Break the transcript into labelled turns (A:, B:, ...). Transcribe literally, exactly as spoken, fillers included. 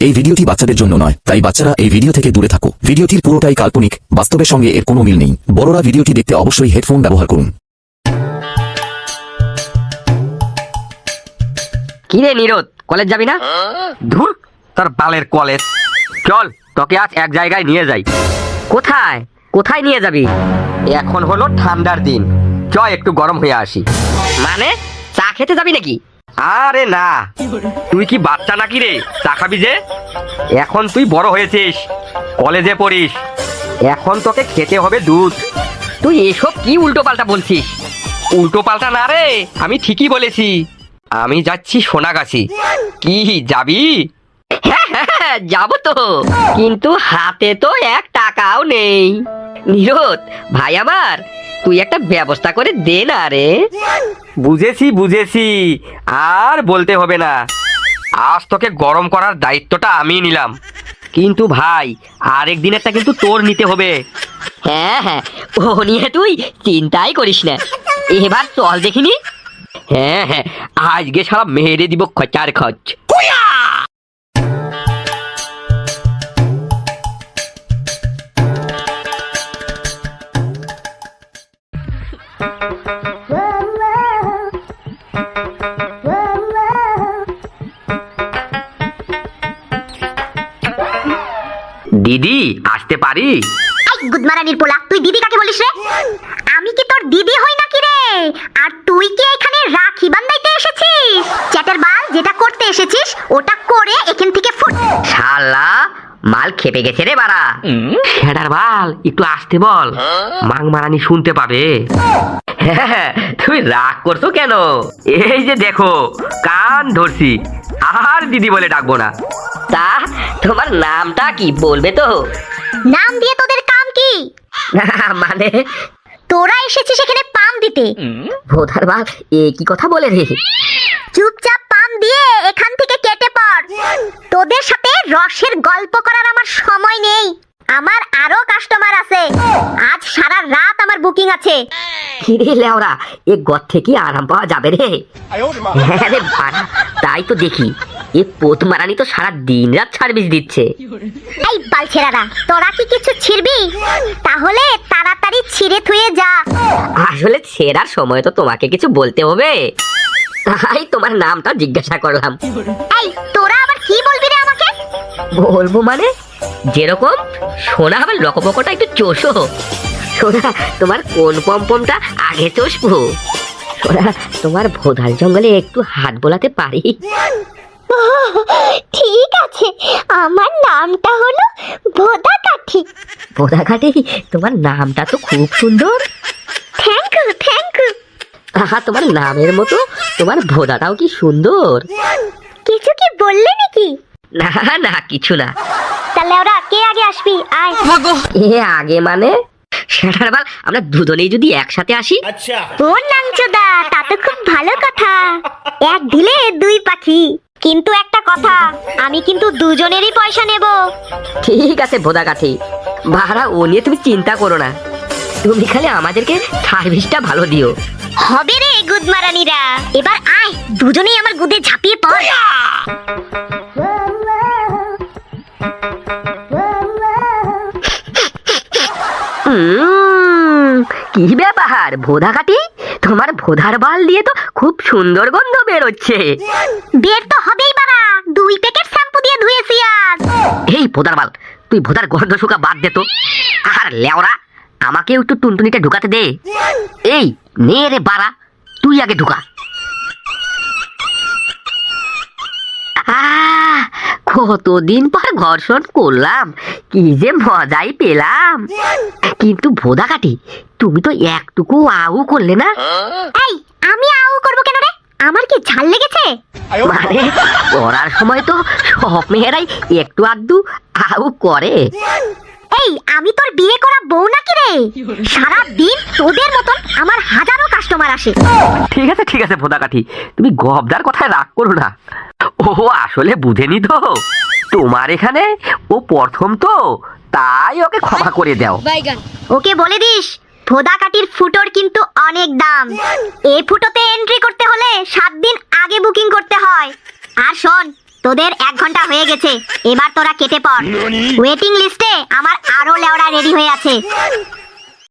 A: এই ভিডিওটি বাচ্চাদের জন্য নয়, তাই বাচ্চারা এই ভিডিও থেকে দূরে থাকো। ভিডিওটির পুরোটাই কাল্পনিক, বাস্তবের সঙ্গে এর কোনো মিল নেই। বড়রা ভিডিওটি দেখতে অবশ্যই হেডফোন ব্যবহার করুন।
B: কি রে নিরোদ, কলেজ যাবি না?
C: ধুর তার বালের কলেজ। চল তোকে আজ এক জায়গায় নিয়ে যাই।
B: কোথায় কোথায় নিয়ে যাবি?
C: এখন হলো ঠান্ডার দিন, চ একটু গরম হয়ে আসি।
B: মানে চা খেতে যাবি নাকি?
C: আরে না, তুই কি বাচ্চা নাকি রে চা খাবি যে? এখন তুই বড় হয়েছিস, কলেজে পড়িস, এখন তোকে খেতে হবে দুধ।
B: তুই এসব কি উল্টো পাল্টা বলছিস?
C: উল্টো পাল্টা না রে, আমি ঠিকই বলেছি। আমি যাচ্ছি সোনাগাছি, কি যাবি?
B: হ্যাঁ হ্যাঁ যাবো তো, কিন্তু হাতে তো এক টাকাও নেই। নিরোদ ভাই আমার, তুই একটা ব্যবস্থা করে দে না রে।
C: বুঝেছি বুঝেছি, আর বলতে হবে না। আজ তোকে গরম করার দায়িত্বটা আমি নিলাম, কিন্তু ভাই আরেক দিনেরটা কিন্তু তোর নিতে হবে।
B: হ্যাঁ হ্যাঁ, ও নিয়ে তুই চিন্তাই করিস না। এবার চল দেখিনি।
C: হ্যাঁ হ্যাঁ, আজকে সারা মেরে দিব খচার খচ। দিদি আসতে পারি?
D: এই গুদমারানির পোলা, তুই দিদি কাকে বলিস রে? আমি কি তোর দিদি হই নাকি রে? আর তুই কি এখানে রাখি বান্ধাইতে এসেছিস? চ্যাটার বাল, যেটা করতে এসেছিস ওটা করে এখান থেকে ফুট।
B: শালা মাল খেপে গেছে রে বাড়া।
C: ছেড়ার বাল একটু আসতে বল, মাং মারানি শুনতে পাবে।
B: হ্যাঁ,
C: তুমি রাগ করছো কেন? এই যে দেখো কান ধরছি, আর দিদি বলে ডাকবো না।
B: তা তোমার নামটা কি বলবে তো?
D: নাম দিয়ে তোদের কাম কি?
B: মানে
D: তোরা এসেছিস এখানে পাম দিতে।
B: ভোধার বাল এ কি কথা বলে রে?
D: চুপচাপ পাম দিয়ে এখান থেকে কেটে পড়। তোদের সাথে রসের গল্প করার আমার সময় নেই। আমার আরো কাস্টমার আছে, আজ সারা রাত আমার বুকিং আছে।
B: কিরে লেওরা, এ গদ থেকে আরাম পাওয়া যাবে রে? হ্যাঁ রে বাড়া, তাই তো দেখি এ পোত মারানি তো সারা দিন রাত সার্ভিস দিচ্ছে।
D: এই বালছেরারা, তোরা কি কিছু ছিড়বি? তাহলে তাড়াতাড়ি ছিঁড়ে থুয়ে যা।
B: আসলে ছেড়ার সময় তো তোমাকে কিছু বলতে হবে, তাই তোমার নামটা জিজ্ঞাসা করলাম।
D: এই তোরা আবার কি বলবি রে আমাকে?
B: বলবো মানে যেরকম সোনা আবার লকপকটা একটু চোষো। সোনা তোমার কোন পমপমটা আগে চষবো? সোনা তোমার ভোধার জঙ্গলে একটু হাত বোলাতে পারি?
D: ঠিক আছে, আমার নামটা হলো ভোদা কাঠি।
B: ভোধা কাঠি, তোমার নামটা তো খুব সুন্দর।
D: Thank you thank you.
B: আহা, তোমার নামের মতো তোমার ভোদাটাও কি সুন্দর।
D: কিছু কি বললে নাকি?
B: না না কিছু না।
D: তাহলে ওরা কে আগে আসবি? আয়।
B: এ আগে মানে সেটার বাল, আমরা দুজনেই যদি একসাথে আসি।
D: ও নাংচোদা, তা তো খুব ভালো কথা। এক ঢিলে দুই পাখি। কিন্তু একটা কথা, আমি কিন্তু দুজনেরই পয়সা নেব।
B: ঠিক আছে ভোদা কাঠি, ভাড়া ও নিয়ে তুমি চিন্তা করো না, তুমি খালি আমাদেরকে সার্ভিসটা ভালো দিও।
D: হবে রে গুদমারানিরা, এবার আয় দুজনেই আমার গুদে ঝাঁপিয়ে পড়।
B: উম, কি ব্যাপার ভোদা কাঠি, তোমার ভোদার বাল দিয়ে তো খুব সুন্দর গন্ধ বেরোচ্ছে।
D: বের তো হবেই বাড়া, দুই প্যাকেট শ্যাম্পু দিয়ে ধুয়েছি আজ।
B: এই ভোদার বাল, তুই ভোদার গন্ধ শুকা বাদ দে তো। আর লেওরা, আমাকে একটু টুনটুনিটা ঢুকাতে দে। এই নে রে বাড়া, তুই আগে ঢুকা। আহ, কতদিন পর ঘর্ষণ করলাম, কি যে মজাই পেলাম। কিন্তু ভোদা কাঠি, তুমি তো একটুকু আউ করলে না।
D: এই আমি আউ করবো কেন রে? আমার কি ঝাল লেগেছে?
B: মানে করার সময় তো সব মেয়েরাই একটু আধটু আউ করে।
D: এই আমি তোর বিয়ে করা বউ নাকি রে? সারা দিন তোদের মতন আমার হাজারো কাস্টমার আসে।
C: ঠিক আছে ঠিক আছে ভোদা কাঠি, তুমি গবদার কথায় রাগ করো না। ও আসলে বুঝেনি তো, তোমার এখানে ও প্রথম তো, তাই ওকে ক্ষমা করে দাও।
D: ওকে বলে দিস, ভোদা কাটির ফুটোর কিন্তু অনেক দাম। এই ফুটোতে এন্ট্রি করতে হলে সাত দিন আগে বুকিং করতে হয়। আর শোন, তোদের এক ঘন্টা হয়ে গেছে, এবার তোরা কেটে পড়। ওয়েটিং লিস্টে আমার আরো লেওড়া রেডি হয়ে আছে।